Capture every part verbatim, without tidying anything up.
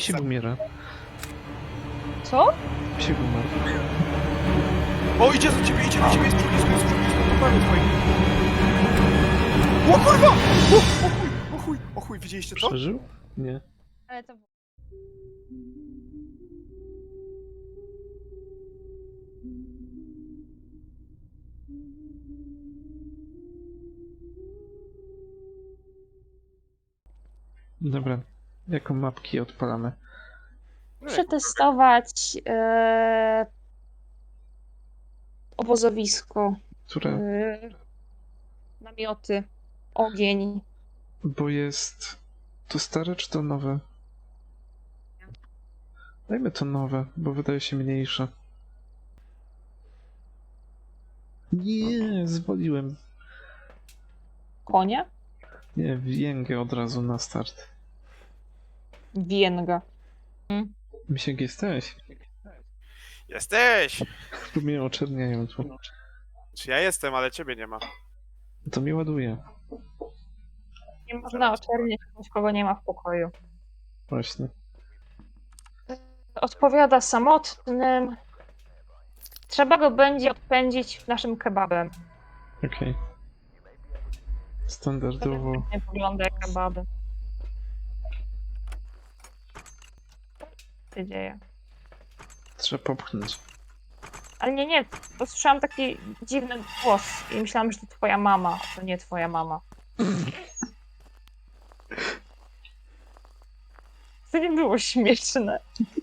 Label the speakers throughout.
Speaker 1: Misiek umiera.
Speaker 2: Co?
Speaker 1: Misiek umarł.
Speaker 3: O, idzie do ciebie, idzie do ciebie, jest przy blisko, jest przy blisko, to prawie twoi. O kurwa! O, o chuj, o chuj, o chuj, widzieliście to?
Speaker 1: Przeżył? Nie.
Speaker 2: Ale to...
Speaker 1: Dobra. Jaką mapki odpalamy?
Speaker 2: Przetestować e... obozowisko,
Speaker 1: Które?
Speaker 2: e... namioty, ogień.
Speaker 1: Bo jest... To stare czy to nowe? Dajmy to nowe, bo wydaje się mniejsze. Nie, zwoliłem.
Speaker 2: Konie?
Speaker 1: Nie, więgę od razu na start.
Speaker 2: Wienga.
Speaker 1: Misiek jesteś?
Speaker 3: Jesteś!
Speaker 1: Tu mnie oczerniają tu.
Speaker 3: Czy ja jestem, ale ciebie nie ma.
Speaker 1: To mnie ładuje.
Speaker 2: Nie można oczerniać kogoś, kogo nie ma w pokoju.
Speaker 1: Właśnie.
Speaker 2: Odpowiada samotnym. Trzeba go będzie odpędzić naszym kebabem.
Speaker 1: Okej. Standardowo.
Speaker 2: Nie wygląda jak kebaby. Co się dzieje?
Speaker 1: Trzeba popchnąć.
Speaker 2: Ale nie, nie, bo słyszałam taki dziwny głos i myślałam, że to twoja mama, a to nie twoja mama. To nie było śmieszne.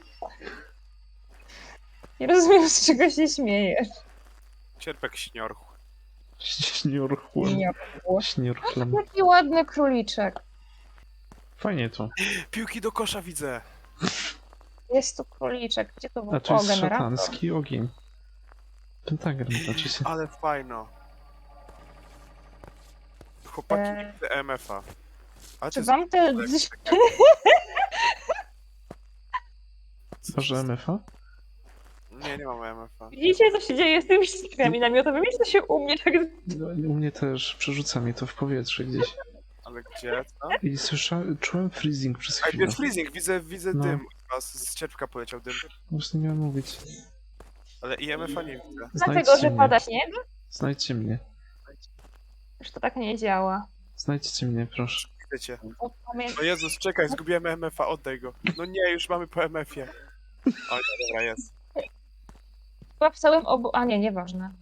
Speaker 2: Nie rozumiem, z czego się śmiejesz.
Speaker 3: Cierpek śniorchu.
Speaker 1: Śniurchłem. Śniurchlem.
Speaker 2: Jaki ładny króliczek.
Speaker 1: Fajnie to.
Speaker 3: Piłki do kosza widzę.
Speaker 2: Jest tu króliczek. Gdzie to był?
Speaker 1: A to jest
Speaker 2: generator.
Speaker 1: szatański ogień. Pentagram znaczy się.
Speaker 3: Ale fajno. Chłopaki,
Speaker 2: Eee.
Speaker 3: widzę M F a. A
Speaker 2: Czy
Speaker 3: ty
Speaker 2: wam te...
Speaker 1: Może M F a?
Speaker 3: Nie, nie mam M F a.
Speaker 2: Widzicie, co się dzieje z tymi ściskami namiotowymi? Co się u mnie tak...
Speaker 1: No, u mnie też przerzuca mi to w powietrze gdzieś.
Speaker 3: Ale gdzie? Co?
Speaker 1: I słyszałem, czułem freezing przez
Speaker 3: A
Speaker 1: chwilę.
Speaker 3: jest freezing, widzę, widzę
Speaker 1: No.
Speaker 3: dym. Chyba z, z cierpka poleciał dym.
Speaker 1: Właśnie nie miałem mówić.
Speaker 3: Ale i M F a nie widzę.
Speaker 2: Dlatego,
Speaker 1: Znajdźcie
Speaker 2: że
Speaker 1: mnie.
Speaker 2: pada śnieg?
Speaker 1: Znajdźcie mnie.
Speaker 2: Już to tak nie działa.
Speaker 1: Znajdźcie mnie, proszę.
Speaker 3: Widzę cię.
Speaker 2: O, pamię-
Speaker 3: No Jezus, czekaj, zgubiłem M F a, oddaj go. No nie, już mamy po M F ie. O nie, dobra, jest.
Speaker 2: Chyba w całym obu... A nie, nieważne.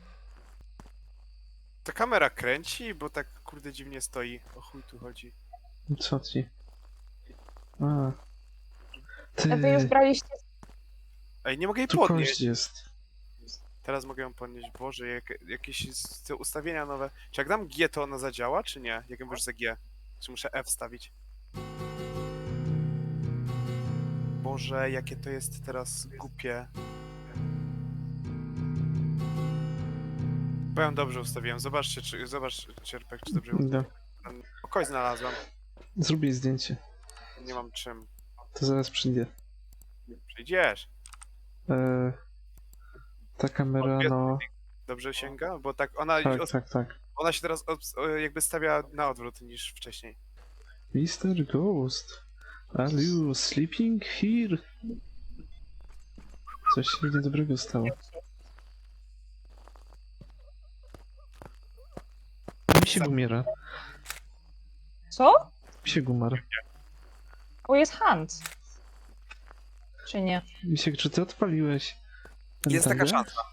Speaker 3: Ta kamera kręci, bo tak kurde dziwnie stoi. O chuj tu chodzi.
Speaker 1: Co ci? A. Ty,
Speaker 2: A wy już braliście...
Speaker 3: Ej, nie mogę jej
Speaker 1: tu
Speaker 3: podnieść.
Speaker 1: kość jest.
Speaker 3: Teraz mogę ją podnieść. Boże, jak, jakieś z- te ustawienia nowe. Czy jak dam G, to ona zadziała, czy nie? Jak ją już za G? Czy muszę F wstawić? Boże, jakie to jest teraz głupie. Bo ją dobrze ustawiłem. Zobaczcie, czy, zobacz, Cierpek, czy dobrze
Speaker 1: Idę.
Speaker 3: O, kość znalazłem.
Speaker 1: Zrób jej zdjęcie.
Speaker 3: Nie mam czym.
Speaker 1: To zaraz przyjdzie.
Speaker 3: Przyjdziesz.
Speaker 1: E, ta kamera, no...
Speaker 3: Dobrze sięga? Bo tak ona,
Speaker 1: Tak,
Speaker 3: os-
Speaker 1: tak, tak.
Speaker 3: ona się teraz od, o, jakby stawia na odwrót niż wcześniej.
Speaker 1: mister Ghost, are you sleeping here? Coś się niedobrego stało. Misiek umiera.
Speaker 2: Co?
Speaker 1: Misiek umarł.
Speaker 2: O, jest Hans. Czy nie?
Speaker 1: Misiek, czy ty odpaliłeś?
Speaker 3: Jest taka
Speaker 1: pentagram?
Speaker 3: szansa.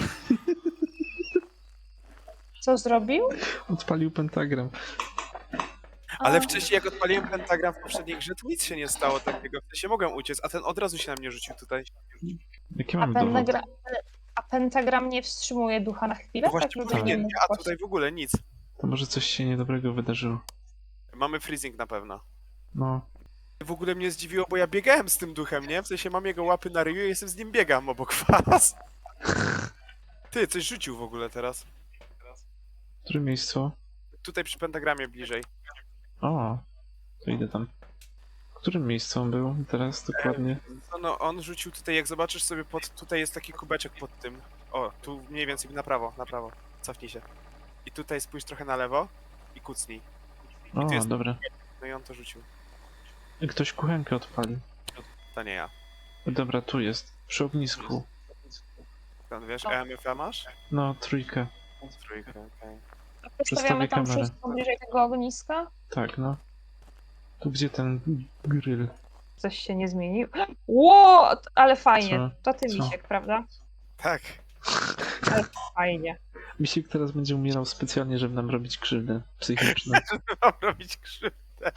Speaker 2: Co zrobił?
Speaker 1: Odpalił pentagram.
Speaker 3: Ale
Speaker 2: A,
Speaker 3: wcześniej jak odpaliłem pentagram w poprzedniej grze, to nic się nie stało takiego. W sensie mogłem uciec, a ten od razu się na mnie rzucił tutaj.
Speaker 1: Jaki
Speaker 2: a,
Speaker 1: mamy dowód?
Speaker 2: pentagra... a pentagram nie wstrzymuje ducha na chwilę?
Speaker 3: No właśnie
Speaker 2: Tak, żeby
Speaker 3: powinien,
Speaker 2: nie
Speaker 3: nie, a tutaj w ogóle nic.
Speaker 1: To może coś się niedobrego wydarzyło.
Speaker 3: Mamy freezing na pewno.
Speaker 1: No.
Speaker 3: W ogóle mnie zdziwiło, bo ja biegałem z tym duchem, nie? W sensie mam jego łapy na ryju i jestem z nim biegam obok was. Ty, coś rzucił w ogóle teraz.
Speaker 1: Które miejsce?
Speaker 3: Tutaj przy pentagramie bliżej.
Speaker 1: O, to idę tam. W którym miejscu on był teraz dokładnie?
Speaker 3: No, no, on rzucił tutaj, jak zobaczysz sobie pod... Tutaj jest taki kubeczek pod tym. O, tu mniej więcej na prawo, na prawo. Cofnij się. I tutaj spójrz trochę na lewo i kucnij.
Speaker 1: O,
Speaker 3: jest-
Speaker 1: dobra.
Speaker 3: No i on to rzucił.
Speaker 1: Ktoś kuchenkę odpalił.
Speaker 3: To nie ja.
Speaker 1: Dobra, tu jest. Przy ognisku.
Speaker 3: Skąd wiesz,
Speaker 2: O.
Speaker 3: E M F A masz?
Speaker 1: No, trójkę.
Speaker 3: Trójkę, okej.
Speaker 2: A Przestawiamy tam
Speaker 1: kamerę.
Speaker 2: wszystko bliżej tego ogniska?
Speaker 1: Tak, no. Tu gdzie ten grill?
Speaker 2: Coś się nie zmienił. Ło, ale fajnie.
Speaker 1: Co?
Speaker 2: To ty,
Speaker 1: Co?
Speaker 2: Misiek, prawda?
Speaker 3: Tak.
Speaker 2: Fajnie.
Speaker 1: Misiek teraz będzie umierał specjalnie, żeby nam robić krzywdę psychiczną.
Speaker 3: Mam robić krzywdę.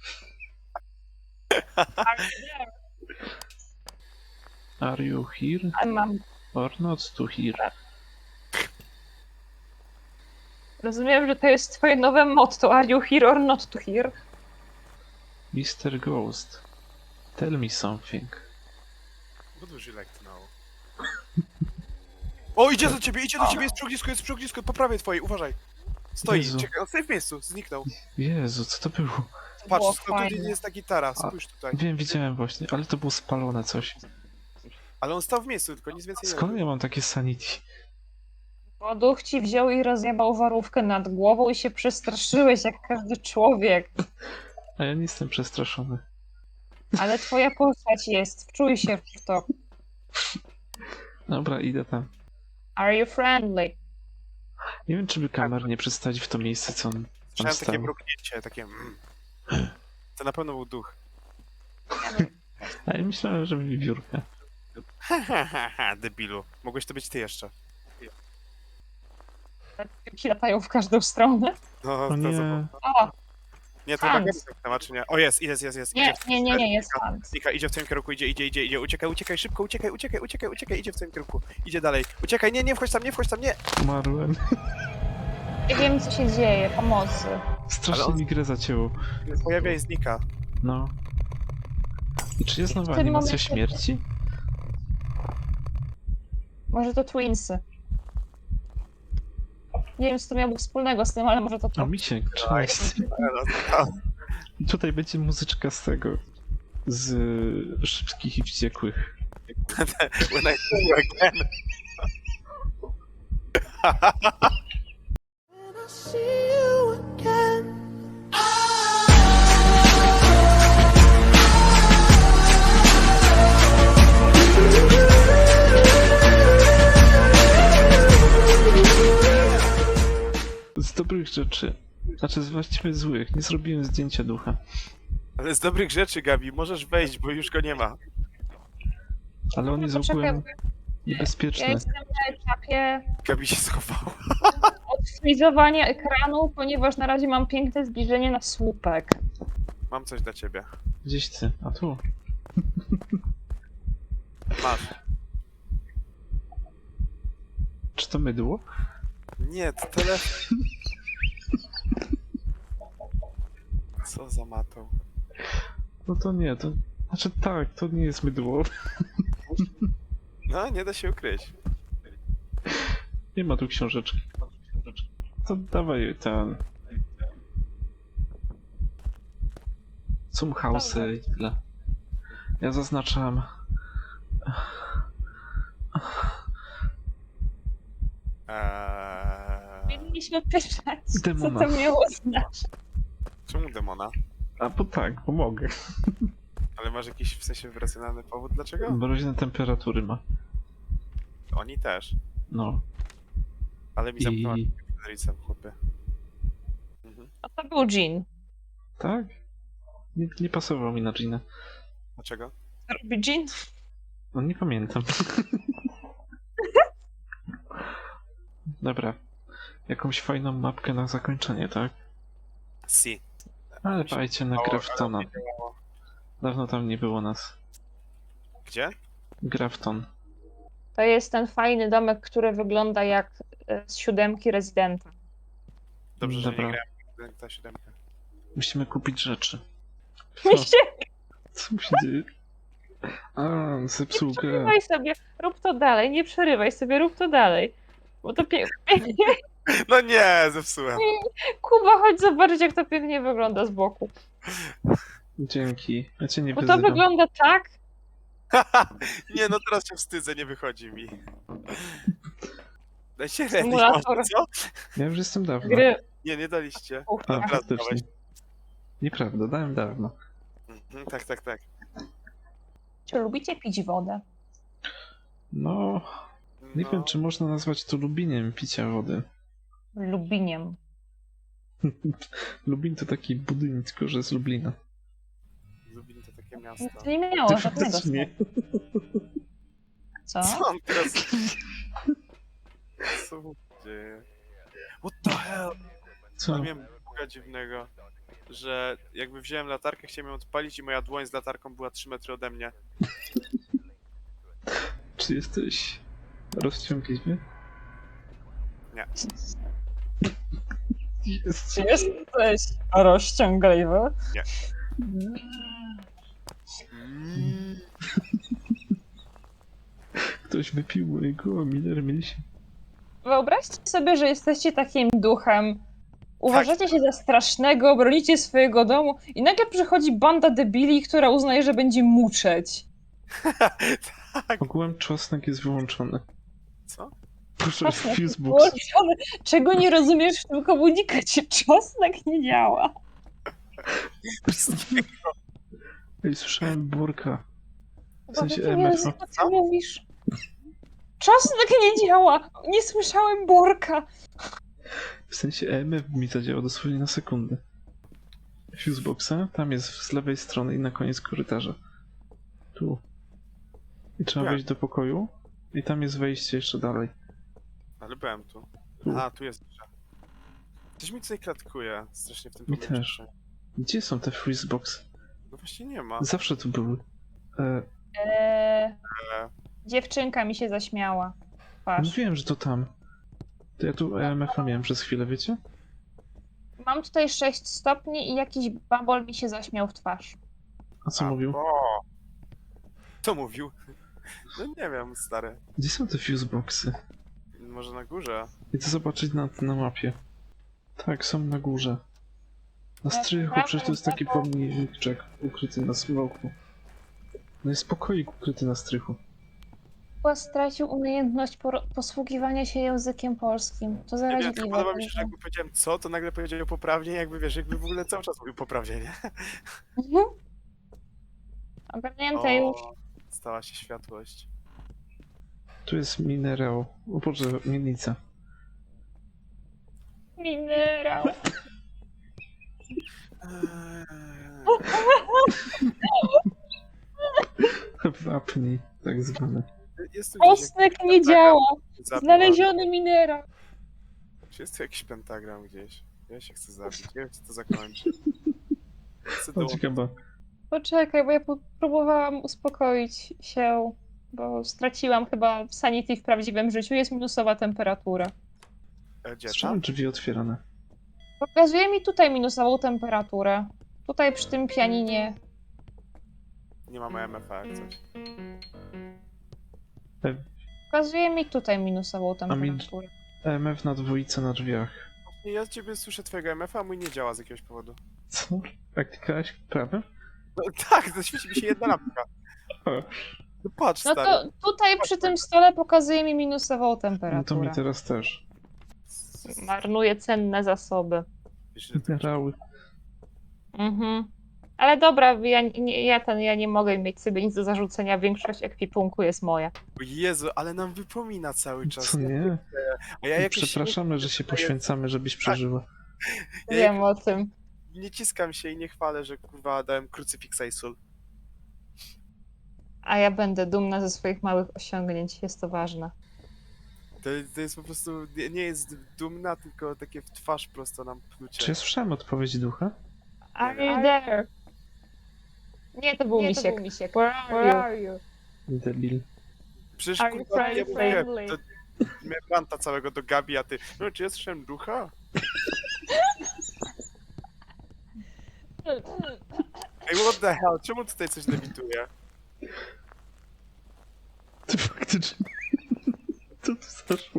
Speaker 1: Are you here
Speaker 2: A mam.
Speaker 1: or not to here?
Speaker 2: Rozumiem, że to jest twoje nowe motto. Are you here or not to here?
Speaker 1: mister Ghost, tell me something.
Speaker 3: What would you like to know? O, idzie do ciebie, idzie do ciebie, jest przy ognisku, jest przy ognisku, po prawej twojej, uważaj. Stoi,
Speaker 1: Jezu.
Speaker 3: czekaj, on stoi w miejscu, zniknął.
Speaker 1: Jezu, co to było?
Speaker 2: To było
Speaker 3: Patrz, no, tutaj
Speaker 2: fajne.
Speaker 3: jest ta gitara, spójrz tutaj.
Speaker 1: Wiem, widziałem właśnie, ale to było spalone coś.
Speaker 3: Ale on stał w miejscu, tylko nic więcej nie
Speaker 1: Skąd
Speaker 3: robił.
Speaker 1: ja mam takie sanity?
Speaker 2: Bo duch ci wziął i rozjebał warówkę nad głową i się przestraszyłeś jak każdy człowiek.
Speaker 1: A ja nie jestem przestraszony.
Speaker 2: Ale twoja postać jest. Wczuj się w to.
Speaker 1: Dobra, idę tam.
Speaker 2: Are you friendly?
Speaker 1: Nie wiem, czy by kamer nie przedstawić w to miejsce, co on tam
Speaker 3: Słyszałem takie
Speaker 1: stał.
Speaker 3: mrugnięcie, takie mm. To na pewno był duch.
Speaker 1: A ja myślałem, że wiewiórka.
Speaker 3: Ha, ha, ha, ha, debilu. Mogłeś to być ty jeszcze.
Speaker 2: Ci latają w każdą stronę.
Speaker 3: No,
Speaker 1: O
Speaker 3: to
Speaker 1: nie,
Speaker 3: zobacz.
Speaker 2: O,
Speaker 3: Nie, to chyba
Speaker 2: Hans.
Speaker 3: Gabi ma, czy nie? O, jest, jest, jest, jest.
Speaker 2: nie,
Speaker 3: Idzie w-
Speaker 2: nie, nie, nie, jest pan.
Speaker 3: Znika, idzie w twoim kierunku, idzie, idzie, idzie, idzie. Uciekaj, uciekaj, szybko, uciekaj, uciekaj, uciekaj, uciekaj, idzie w twoim kierunku. Idzie dalej. Uciekaj, nie, nie wchodź tam, nie wchodź tam, nie!
Speaker 1: umarłem.
Speaker 2: Nie wiem, co się dzieje. Pomocy.
Speaker 1: Strasznie
Speaker 3: Ale on-
Speaker 1: mi grę zacięło.
Speaker 3: Pojawia i znika.
Speaker 1: No. I czy jest nowa
Speaker 2: W tym
Speaker 1: animacja
Speaker 2: momencie-
Speaker 1: śmierci?
Speaker 2: Może to Twinsy. Nie wiem, co to miało wspólnego z tym, ale może to
Speaker 1: A
Speaker 2: to.
Speaker 1: Misiek, cześć. I tutaj będzie muzyczka z tego. Z y, Szybkich i Wściekłych.
Speaker 3: When I see you again.
Speaker 4: When I see you again.
Speaker 1: Z dobrych rzeczy. Znaczy z właściwie złych. Nie zrobiłem zdjęcia ducha.
Speaker 3: Ale z dobrych rzeczy, Gabi, możesz wejść, bo już go nie ma.
Speaker 1: Ale on jest
Speaker 2: Poczekaj,
Speaker 1: ogółem
Speaker 2: Ja
Speaker 1: niebezpieczny.
Speaker 2: jestem na etapie
Speaker 3: Gabi się schowała.
Speaker 2: odfrizowania ekranu, ponieważ na razie mam piękne zbliżenie na słupek.
Speaker 3: Mam coś dla ciebie.
Speaker 1: Gdzieś ty. A tu.
Speaker 3: Masz.
Speaker 1: Czy to mydło?
Speaker 3: Nie, to telefon. Co za matą.
Speaker 1: No to nie, to... Znaczy tak, to nie jest mydło.
Speaker 3: No, nie da się ukryć.
Speaker 1: Nie ma tu książeczki. To dawaj ten... Zum Hause i tyle. Ja zaznaczam...
Speaker 3: Eee...
Speaker 2: Powinniśmy pytać, co
Speaker 1: Demona.
Speaker 2: to miało znaczyć.
Speaker 3: Czemu demona?
Speaker 1: A bo tak, bo mogę.
Speaker 3: Ale masz jakiś w sensie racjonalny powód dlaczego?
Speaker 1: Mroźne temperatury ma.
Speaker 3: Oni też.
Speaker 1: No.
Speaker 3: Ale mi zamknęła
Speaker 1: I...
Speaker 3: Federicem, chłopie. Mhm.
Speaker 2: A to był Jean.
Speaker 1: Tak? Nie, nie pasował mi na Gina.
Speaker 3: Dlaczego?
Speaker 2: Robi Jean?
Speaker 1: No nie pamiętam. Dobra. Jakąś fajną mapkę na zakończenie, tak?
Speaker 3: Si.
Speaker 1: Ale dajcie na
Speaker 3: Mało,
Speaker 1: Graftona.
Speaker 3: ale nie działało.
Speaker 1: Dawno tam nie było nas.
Speaker 3: Gdzie?
Speaker 1: Grafton.
Speaker 2: To jest ten fajny domek, który wygląda jak e, z siódemki Rezydenta.
Speaker 3: Dobrze, że
Speaker 1: Dobra.
Speaker 3: nie grałem w ta siódemka.
Speaker 1: Musimy kupić rzeczy. Co?
Speaker 2: Myślę,
Speaker 1: Co mu się dzieje? A, zepsuł grę.
Speaker 2: przerywaj sobie, rób to dalej, nie przerywaj sobie, rób to dalej. Bo to pięknie.
Speaker 3: No nie, zepsułem.
Speaker 2: Kuba, chodź zobaczyć, jak to pięknie wygląda z boku.
Speaker 1: Dzięki. Ja cię nie
Speaker 2: Bo to
Speaker 1: wyzywam.
Speaker 2: wygląda tak,
Speaker 3: Nie, no teraz się wstydzę, nie wychodzi mi. Dajcie ready,
Speaker 2: Symulator.
Speaker 3: może, co?
Speaker 1: Ja już jestem dawno.
Speaker 2: gry.
Speaker 3: Nie, nie daliście.
Speaker 1: A,
Speaker 3: Teraz
Speaker 1: faktycznie.
Speaker 3: dałeś.
Speaker 1: Nieprawda, dałem dawno.
Speaker 3: Mhm, tak, tak, tak.
Speaker 2: Czy lubicie pić wodę?
Speaker 1: No, nie
Speaker 3: No,
Speaker 1: wiem, czy można nazwać to lubieniem picia wody.
Speaker 2: Lubiniem.
Speaker 1: Lubin to taki budynek, tylko że z Lublina.
Speaker 3: Lublin to takie miasto.
Speaker 2: To nie miało
Speaker 1: Ty
Speaker 2: żadnego
Speaker 1: faktycznie.
Speaker 2: sensu. Co?
Speaker 3: Co on teraz... Co mu się dzieje? What the hell?
Speaker 1: Co?
Speaker 3: Miałem buga dziwnego, że jakby wziąłem latarkę, chciałem ją odpalić i moja dłoń z latarką była trzy metry ode mnie.
Speaker 1: Czy jesteś rozciągliwy?
Speaker 3: Nie.
Speaker 1: Jest.
Speaker 2: Czy jesteś rozciągliwy?
Speaker 3: Nie. Mm.
Speaker 1: Ktoś wypił mojego Miller Milsi.
Speaker 2: Wyobraźcie sobie, że jesteście takim duchem. Uważacie się za strasznego, bronicie swojego domu i nagle przychodzi banda debili, która uznaje, że będzie muczeć.
Speaker 3: Tak.
Speaker 1: Ogółem czosnek jest wyłączony.
Speaker 3: Co?
Speaker 1: Proszę,
Speaker 2: Czosnek jest
Speaker 1: Fusebox.
Speaker 2: włączony. Czego nie rozumiesz w tym komunikacie? Czosnek nie działa.
Speaker 1: Ej, słyszałem Borka. W
Speaker 2: W
Speaker 1: sensie
Speaker 2: jakim
Speaker 1: M F A.
Speaker 2: języku ty mówisz? Czosnek nie działa! Nie słyszałem Borka!
Speaker 1: W sensie E M F mi zadziała dosłownie na sekundę. Fuseboxa, tam jest z lewej strony i na koniec korytarza. Tu. I trzeba
Speaker 3: Jak?
Speaker 1: wejść do pokoju i tam jest wejście jeszcze dalej.
Speaker 3: Ale byłem tu.
Speaker 1: Tu.
Speaker 3: A, tu jest jeszcze. Coś mi tutaj klatkuje strasznie w tym
Speaker 1: Mi
Speaker 3: pomieszczeniu.
Speaker 1: Gdzie są te Fuseboxy?
Speaker 3: No właśnie nie ma.
Speaker 1: Zawsze tu były. E,
Speaker 2: Eee,
Speaker 3: E,
Speaker 2: dziewczynka mi się zaśmiała. Patrz.
Speaker 1: mówiłem, że to tam. To ja tu E M F a miałem przez chwilę, wiecie?
Speaker 2: Mam tutaj sześć stopni i jakiś babol mi się zaśmiał w twarz.
Speaker 1: A co
Speaker 3: a,
Speaker 1: mówił?
Speaker 3: O! Co mówił? No nie wiem, stary.
Speaker 1: Gdzie są te Fuseboxy?
Speaker 3: Może na górze?
Speaker 1: Idę zobaczyć na, na mapie. Tak, są na górze. Na
Speaker 2: Ja
Speaker 1: strychu,
Speaker 2: sprawdzam,
Speaker 1: przecież to jest taki
Speaker 2: taką-
Speaker 1: pomniczek ukryty na smoku. No jest pokoik ukryty na strychu.
Speaker 2: Chyba stracił umiejętność por- posługiwania się językiem polskim. To
Speaker 3: Nie wiem,
Speaker 2: zaraźliwe.
Speaker 3: tylko podoba mi się, że jakby powiedziałem co, to nagle powiedział poprawnie, jakby wiesz, jakby w ogóle cały czas mówił poprawnie, nie?
Speaker 2: Mhm. Ogarnięte już.
Speaker 3: O, stała się światłość.
Speaker 1: Tu jest minerał. O Boże, mielnica.
Speaker 2: Minerał.
Speaker 3: Eee,
Speaker 1: Wapni, tak zwane.
Speaker 3: Jest tu gdzieś
Speaker 2: Czosnek
Speaker 3: jakiś
Speaker 2: nie działa.
Speaker 3: pentagram zabiła.
Speaker 2: Znaleziony minerał.
Speaker 3: Czy jest tu jakiś pentagram gdzieś? Ja się chcę zabić, ja wiem, co to zakończy. Chcę
Speaker 1: O,
Speaker 3: dołączyć.
Speaker 1: ciekawe.
Speaker 2: Poczekaj, bo ja po- próbowałam uspokoić się, bo straciłam chyba sanity w prawdziwym życiu. Jest minusowa temperatura.
Speaker 3: E, Gdzie
Speaker 1: Słyszałem
Speaker 3: tam?
Speaker 1: drzwi otwierane.
Speaker 2: Pokazuje mi tutaj minusową temperaturę. Tutaj przy tym pianinie.
Speaker 3: Nie mamy M F A jak coś.
Speaker 2: Pokazuje mi tutaj minusową
Speaker 1: mi-
Speaker 2: temperaturę.
Speaker 1: E M F na dwójce na drzwiach.
Speaker 3: Nie, ja z ciebie słyszę twojego M F A, a mój nie działa z jakiegoś powodu.
Speaker 1: Co? Jak klikałeś prawe?
Speaker 3: No tak, zaświeci mi się jedna lampka. No patrz,
Speaker 2: No
Speaker 3: stary.
Speaker 2: to tutaj przy tym stole pokazuje mi minusową
Speaker 1: No to
Speaker 2: temperaturę.
Speaker 1: mi teraz też.
Speaker 2: Marnuje cenne zasoby.
Speaker 3: Wiesz, ile to-
Speaker 1: Minerały.
Speaker 2: Mhm. Ale dobra, ja, nie, ja, ten, ja nie mogę mieć sobie nic do zarzucenia. Większość ekwipunku jest moja.
Speaker 3: O Jezu, ale nam wypomina cały czas.
Speaker 1: Co nie?
Speaker 3: A ja jakoś
Speaker 1: Przepraszamy, że się poświęcamy, żebyś przeżyła.
Speaker 3: Ja
Speaker 2: Wiem o tym.
Speaker 3: nie ciskam się i nie chwalę, że kurwa dałem krucyfiksa i sól.
Speaker 2: A ja będę dumna ze swoich małych osiągnięć. Jest to ważne.
Speaker 3: To, to jest po prostu, nie, nie jest dumna, tylko takie w twarz prosto nam plucie.
Speaker 1: Czy ja słyszałem odpowiedź ducha?
Speaker 2: Are you there? Nie, to był
Speaker 5: Nie, to
Speaker 2: misiek.
Speaker 5: był misiek.
Speaker 2: Where are you?
Speaker 5: are you?
Speaker 1: Debil.
Speaker 3: Przecież
Speaker 2: Are you
Speaker 3: kurwa, ja
Speaker 2: friendly?
Speaker 3: mówię, to miałem ranta całego do Gabi, a ty, no czy ja słyszałem ducha? Ej, what the hell, czemu tutaj coś lewituje?
Speaker 1: Ty faktycznie. Co tu zaszło?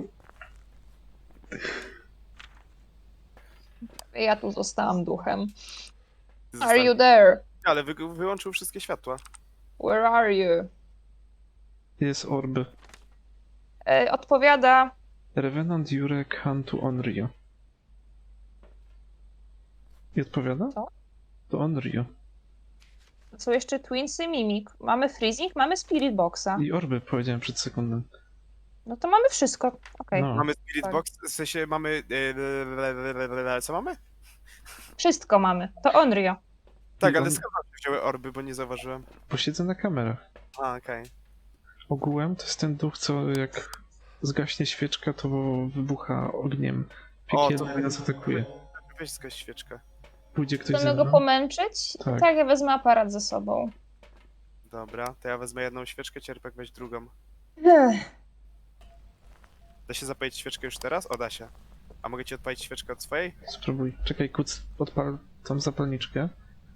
Speaker 2: Ja tu zostałam duchem.
Speaker 3: Ty
Speaker 2: Are you
Speaker 3: zostań-
Speaker 2: there?
Speaker 3: Ale wy, wyłączył wszystkie światła.
Speaker 2: Where are you?
Speaker 1: Jest orby.
Speaker 2: E, odpowiada.
Speaker 1: Revenant Jurek Hantu Onryo. I odpowiada?
Speaker 2: Co?
Speaker 1: To Onryo.
Speaker 2: To są jeszcze Twinsy, Mimik. Mamy Freezing, mamy Spirit Boxa.
Speaker 1: I orby powiedziałem przed sekundą.
Speaker 2: No to mamy wszystko. Okej.
Speaker 1: No.
Speaker 3: Mamy Spirit
Speaker 2: tak.
Speaker 3: Box, w sensie mamy... e, Co mamy?
Speaker 2: Wszystko mamy. To Onryo.
Speaker 3: Tak,
Speaker 1: I
Speaker 3: ale
Speaker 1: on-
Speaker 3: skąd się wzięły orby, bo nie zauważyłem.
Speaker 1: Posiedzę na kamerach.
Speaker 3: A, okej.
Speaker 1: Ogółem to jest ten duch, co jak zgaśnie świeczka, to wybucha ogniem.
Speaker 3: O,
Speaker 1: Piekielny
Speaker 3: to-
Speaker 1: nas atakuje.
Speaker 3: Weź zgaś świeczkę.
Speaker 1: Pójdzie ktoś ze
Speaker 2: Chcemy go
Speaker 1: mną?
Speaker 2: pomęczyć?
Speaker 1: Tak.
Speaker 2: Tak, ja wezmę aparat ze sobą.
Speaker 3: Dobra, to ja wezmę jedną świeczkę, Cierpek weź drugą.
Speaker 2: Ech.
Speaker 3: Da się zapalić świeczkę już teraz? O, da się. A mogę ci odpalić świeczkę od swojej?
Speaker 1: Spróbuj. Czekaj, kuc, odpal tą zapalniczkę.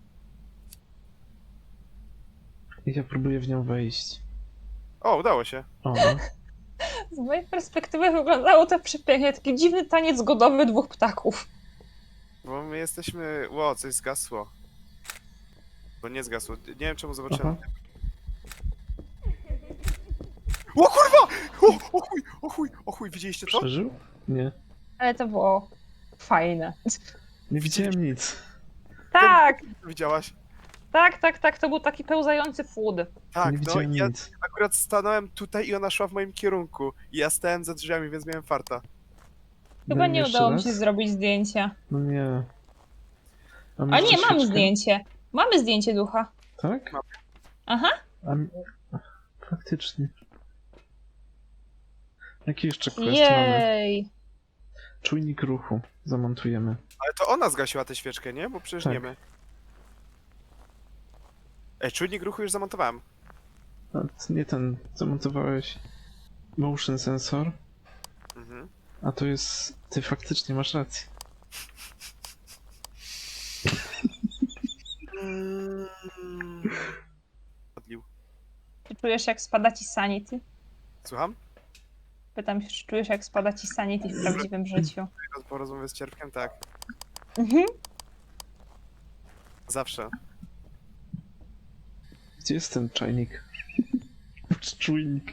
Speaker 1: I ja próbuję w nią wejść.
Speaker 3: O, udało się.
Speaker 1: O, no.
Speaker 2: Z mojej perspektywy wyglądało to przepięknie. Taki dziwny taniec godowy dwóch ptaków.
Speaker 3: Bo my jesteśmy... Ło, coś zgasło. Bo nie zgasło. Nie wiem czemu zobaczyłem.
Speaker 1: Aha.
Speaker 3: O kurwa! O, o chuj, o chuj, o chuj, widzieliście to?
Speaker 1: Przeżył? Nie.
Speaker 2: Ale to było fajne.
Speaker 1: Nie widziałem nic.
Speaker 2: Tak,
Speaker 3: Widziałaś?
Speaker 2: tak, tak, tak. To był taki pełzający płód.
Speaker 3: Tak,
Speaker 1: nie
Speaker 3: no
Speaker 1: widziałem
Speaker 3: i ja
Speaker 1: nic.
Speaker 3: akurat stanąłem tutaj i ona szła w moim kierunku. I ja stałem za drzwiami, więc miałem farta.
Speaker 2: Chyba
Speaker 1: No i
Speaker 2: nie
Speaker 1: jeszcze
Speaker 2: udało mi
Speaker 1: raz?
Speaker 2: się zrobić zdjęcia.
Speaker 1: No nie.
Speaker 2: A
Speaker 1: masz
Speaker 2: nie,
Speaker 1: tu
Speaker 2: mamy
Speaker 1: świeczkę?
Speaker 2: zdjęcie. Mamy zdjęcie ducha.
Speaker 1: Tak?
Speaker 3: Mam.
Speaker 2: Aha.
Speaker 1: A, mi- faktycznie. Jaki jeszcze quest mamy?
Speaker 2: Jej.
Speaker 1: Czujnik ruchu. Zamontujemy.
Speaker 3: Ale to ona zgasiła tę świeczkę, nie? Bo przecież
Speaker 1: Tak.
Speaker 3: nie my. Ej, czujnik ruchu już zamontowałem.
Speaker 1: A, t- nie ten. Zamontowałeś motion sensor.
Speaker 3: Mhm.
Speaker 1: A to jest... Ty faktycznie masz rację.
Speaker 3: Odlił.
Speaker 2: Czy czujesz, jak spada ci sanity?
Speaker 3: Słucham?
Speaker 2: Pytam się, czy czujesz, jak spada ci sanity w prawdziwym życiu?
Speaker 3: Po rozmowie z Cierpkiem, tak.
Speaker 2: Mhm.
Speaker 3: Zawsze.
Speaker 1: Gdzie jest ten czajnik? Czy czujnik?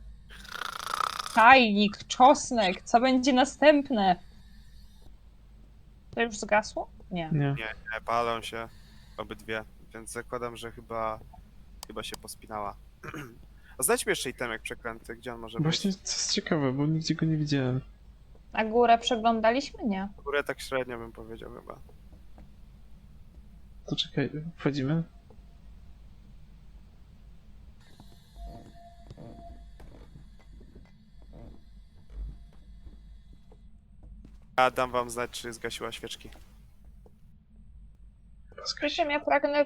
Speaker 2: Czajnik, czosnek, co będzie następne? To już zgasło? Nie.
Speaker 1: Nie.
Speaker 3: Nie, nie, palą się obydwie, więc zakładam, że chyba chyba się pospinała. A znajdźmy jeszcze itemek przeklęty, gdzie on może
Speaker 1: Właśnie
Speaker 3: być?
Speaker 1: to jest ciekawe, bo nigdzie go nie widziałem.
Speaker 2: A górę przeglądaliśmy? Nie.
Speaker 3: Górę tak średnio bym powiedział chyba.
Speaker 1: To czekaj, wchodzimy?
Speaker 3: A dam wam znać, czy zgasiła świeczki.
Speaker 2: Przy czym ja pragnę...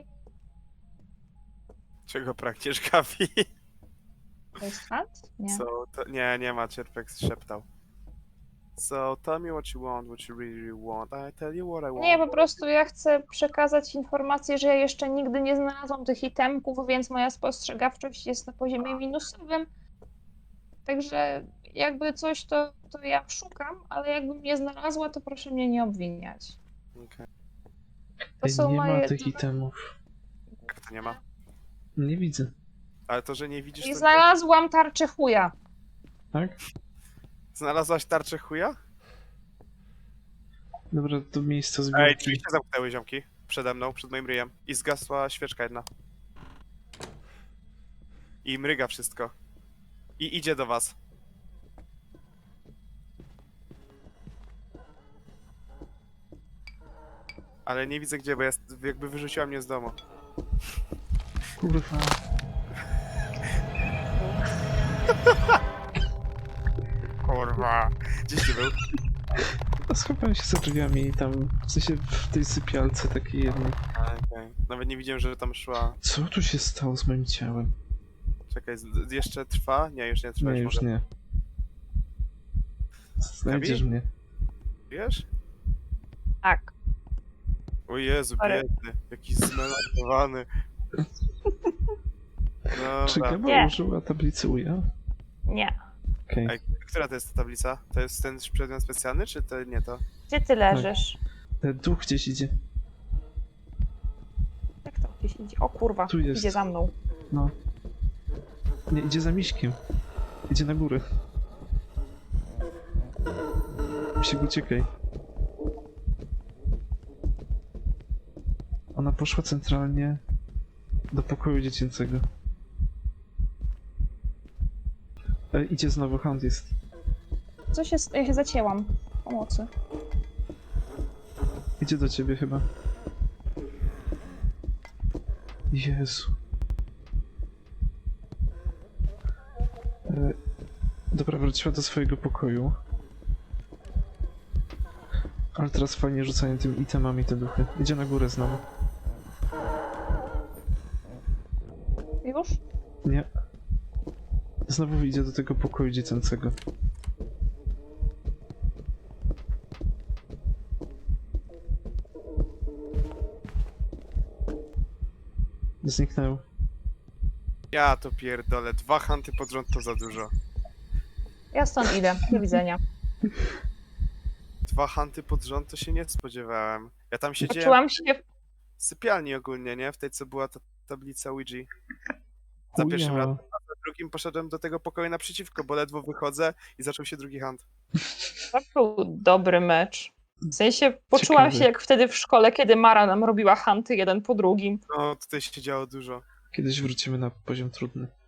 Speaker 3: Czego pragniesz, Gabi?
Speaker 2: To jest hunt? Nie.
Speaker 3: So, to, nie, nie ma, Cierpek szeptał. So, tell me what you want, what you really want. I tell you what I want.
Speaker 2: Nie, po prostu ja chcę przekazać informację, że ja jeszcze nigdy nie znalazłam tych itemków, więc moja spostrzegawczość jest na poziomie minusowym. Także jakby coś, to, to ja szukam, ale jakbym nie znalazła, to proszę mnie nie obwiniać.
Speaker 3: Okej.
Speaker 2: To
Speaker 1: Ej,
Speaker 2: są
Speaker 1: nie
Speaker 2: moje...
Speaker 1: ma tych itemów.
Speaker 3: Jak to nie ma?
Speaker 1: Nie widzę.
Speaker 3: Ale to, że nie widzisz,
Speaker 2: I
Speaker 3: to...
Speaker 2: znalazłam tarczę chuja.
Speaker 1: Tak?
Speaker 3: Znalazłaś tarczę chuja?
Speaker 1: Dobra, do miejsca
Speaker 3: Ej,
Speaker 1: zbiórki.
Speaker 3: drzwi się zamknęły, ziomki. Przede mną, przed moim ryjem. I zgasła świeczka jedna. I mryga wszystko. I idzie do was. Ale nie widzę gdzie, bo jest, jakby wyrzuciła mnie z domu.
Speaker 1: Kurwa.
Speaker 3: Kurwa. Gdzieś ty był?
Speaker 1: A schowałem się za drzwiami i tam, w sensie w tej sypialce takiej jednej.
Speaker 3: Okej. Nawet nie widziałem, że tam szła.
Speaker 1: Co tu się stało z moim ciałem?
Speaker 3: Czekaj, z- z- jeszcze trwa? Nie, już nie trwa.
Speaker 1: Nie, już
Speaker 3: może.
Speaker 1: nie. Znajdziesz
Speaker 3: Gabi?
Speaker 1: mnie.
Speaker 3: Wiesz?
Speaker 2: Tak.
Speaker 3: O Jezu,
Speaker 2: Ale-
Speaker 3: biedny. Jakiś zmelankowany.
Speaker 1: Czy
Speaker 3: Dobra.
Speaker 1: Gaba
Speaker 2: Nie.
Speaker 1: użyła tablicy U J A?
Speaker 2: Nie.
Speaker 1: Okej.
Speaker 3: Ej, która to jest ta tablica? To jest ten przedmiot specjalny, czy to nie to?
Speaker 2: Gdzie ty leżysz?
Speaker 1: Ten duch gdzieś idzie.
Speaker 2: Jak to gdzieś idzie? O kurwa,
Speaker 1: Tu jest.
Speaker 2: idzie za mną.
Speaker 1: No. Nie, idzie za miśkiem. Idzie na górę. Misiek, uciekaj. Ona poszła centralnie do pokoju dziecięcego. E, idzie znowu, Hound jest.
Speaker 2: Co się... Ja się zacięłam. Pomocy.
Speaker 1: Idzie do ciebie chyba. Jezu. E, dobra, wróciła do swojego pokoju. Ale teraz fajnie rzucają tymi itemami te duchy. Idzie na górę znowu.
Speaker 2: Już?
Speaker 1: Nie. Znowu idzie do tego pokoju dziecięcego. Zniknął.
Speaker 3: Ja to pierdolę, dwa hunty pod rząd to za dużo.
Speaker 2: Ja stąd idę. Do widzenia.
Speaker 3: Dwa hunty pod rząd to się nie spodziewałem. Ja tam siedziałem
Speaker 2: Poczułam się...
Speaker 3: w sypialni ogólnie, nie? W tej, co była ta tablica Ouija. Za pierwszym
Speaker 1: Uja.
Speaker 3: razem, a za drugim poszedłem do tego pokoju naprzeciwko, bo ledwo wychodzę i zaczął się drugi hunt.
Speaker 2: To był dobry mecz. W sensie poczułam
Speaker 1: Ciekawy.
Speaker 2: się jak wtedy w szkole, kiedy Mara nam robiła hunty jeden po drugim.
Speaker 3: No, tutaj się działo dużo.
Speaker 1: Kiedyś wrócimy na poziom trudny.